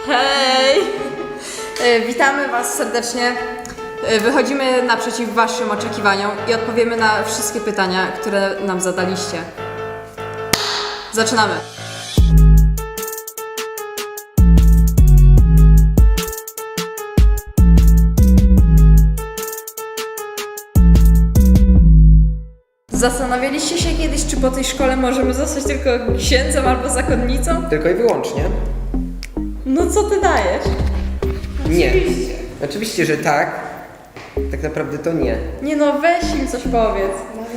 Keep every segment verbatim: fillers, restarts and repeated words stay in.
Hej! E, Witamy Was serdecznie. E, Wychodzimy naprzeciw Waszym oczekiwaniom i odpowiemy na wszystkie pytania, które nam zadaliście. Zaczynamy! Zastanawialiście się kiedyś, czy po tej szkole możemy zostać tylko księdzem albo zakonnicą? Tylko i wyłącznie? No co ty dajesz? Nie. Oczywiście, że tak. Tak naprawdę to nie. Nie no, weź im coś powiedz.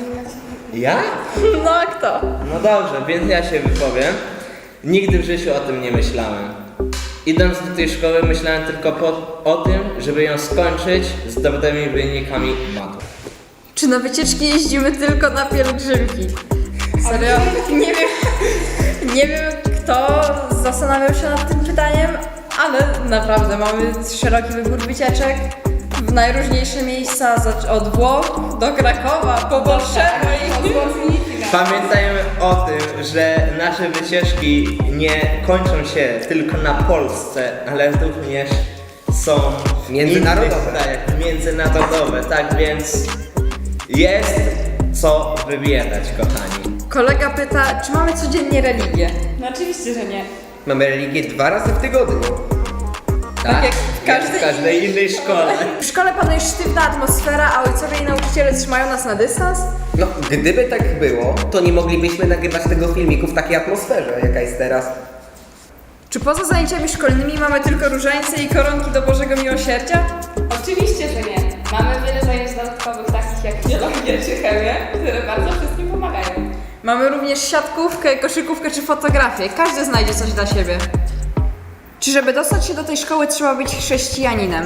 Ja? No a kto? No dobrze, więc ja się wypowiem. Nigdy w życiu o tym nie myślałem. Idąc do tej szkoły myślałem tylko po, o tym, żeby ją skończyć z dobrymi wynikami matur. Czy na wycieczki jeździmy tylko na pielgrzymki? Serio? Nie wiem, nie wiem kto zastanawiał się nad tym pytaniem, ale naprawdę mamy szeroki wybór wycieczek w najróżniejsze miejsca, zac- od Włoch do Krakowa, po Warszawie. Pamiętajmy o tym, że nasze wycieczki nie kończą się tylko na Polsce, ale również są w Międzynarodowe. innych krajach, międzynarodowe, tak więc jest co wybierać, kochani. Kolega pyta, czy mamy codziennie religię? No oczywiście, że nie. Mamy religię dwa razy w tygodniu. Tak jak w każdej w każdej innej szkole. W szkole panuje sztywna atmosfera, a ojcowie i nauczyciele trzymają nas na dystans? No, gdyby tak było, to nie moglibyśmy nagrywać tego filmiku w takiej atmosferze, jaka jest teraz. Czy poza zajęciami szkolnymi mamy tylko różańce i koronki do Bożego Miłosierdzia? Oczywiście, że nie. Mamy wiele zajęć dodatkowych, takich jak biologia czy chemia, które bardzo wszystkim pomagają. Mamy również siatkówkę, koszykówkę czy fotografię. Każdy znajdzie coś dla siebie. Czy żeby dostać się do tej szkoły trzeba być chrześcijaninem?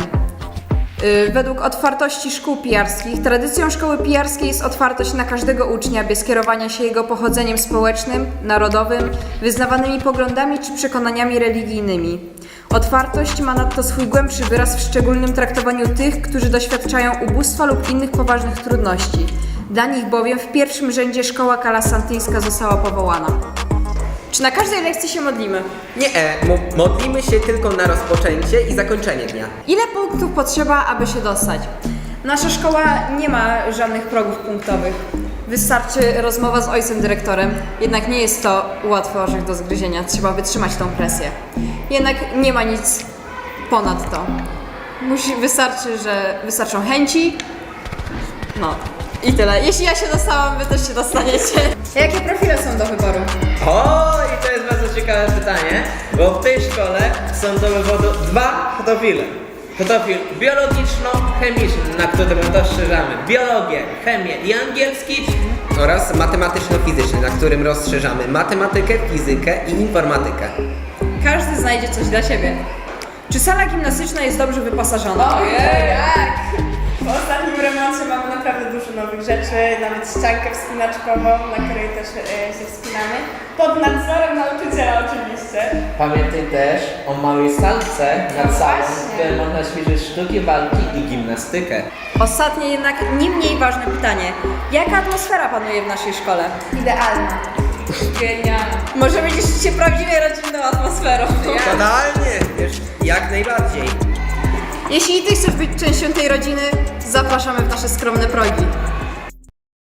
Yy, według otwartości szkół pijarskich, tradycją szkoły pijarskiej jest otwartość na każdego ucznia bez kierowania się jego pochodzeniem społecznym, narodowym, wyznawanymi poglądami czy przekonaniami religijnymi. Otwartość ma nadto swój głębszy wyraz w szczególnym traktowaniu tych, którzy doświadczają ubóstwa lub innych poważnych trudności. Dla nich bowiem w pierwszym rzędzie szkoła kalasantyńska została powołana. Czy na każdej lekcji się modlimy? Nie, e, mo- modlimy się tylko na rozpoczęcie i zakończenie dnia. Ile punktów potrzeba, aby się dostać? Nasza szkoła nie ma żadnych progów punktowych. Wystarczy rozmowa z ojcem dyrektorem, jednak nie jest to łatwy orzech do zgryzienia, trzeba wytrzymać tą presję. Jednak nie ma nic ponad to. Musi, wystarczy, że wystarczą chęci. No i tyle. Jeśli ja się dostałam, wy też się dostaniecie. Jakie profile są do wyboru? O, i to jest bardzo ciekawe pytanie, bo w tej szkole są do wyboru dwa profile. Profil biologiczno-chemiczny, na którym rozszerzamy biologię, chemię i angielski. Oraz matematyczno-fizyczny, na którym rozszerzamy matematykę, fizykę i informatykę. Każdy znajdzie coś dla siebie. Czy sala gimnastyczna jest dobrze wyposażona? Ojej! Tak! Po ostatnim remoncie mamy naprawdę dużo nowych rzeczy, nawet ściankę wspinaczkową, na której też e, się wspinamy. Pod nadzorem nauczyciela oczywiście. Pamiętaj też o małej salce nad No salą, właśnie. w której można ćwiczyć sztuki walki i gimnastykę. Ostatnie jednak nie mniej ważne pytanie. Jaka atmosfera panuje w naszej szkole? Idealna. Genialna. Możemy cieszyć się prawdziwie rodzinną atmosferą. Totalnie, wiesz, jak najbardziej. Jeśli ty chcesz być częścią tej rodziny, zapraszamy w nasze skromne progi.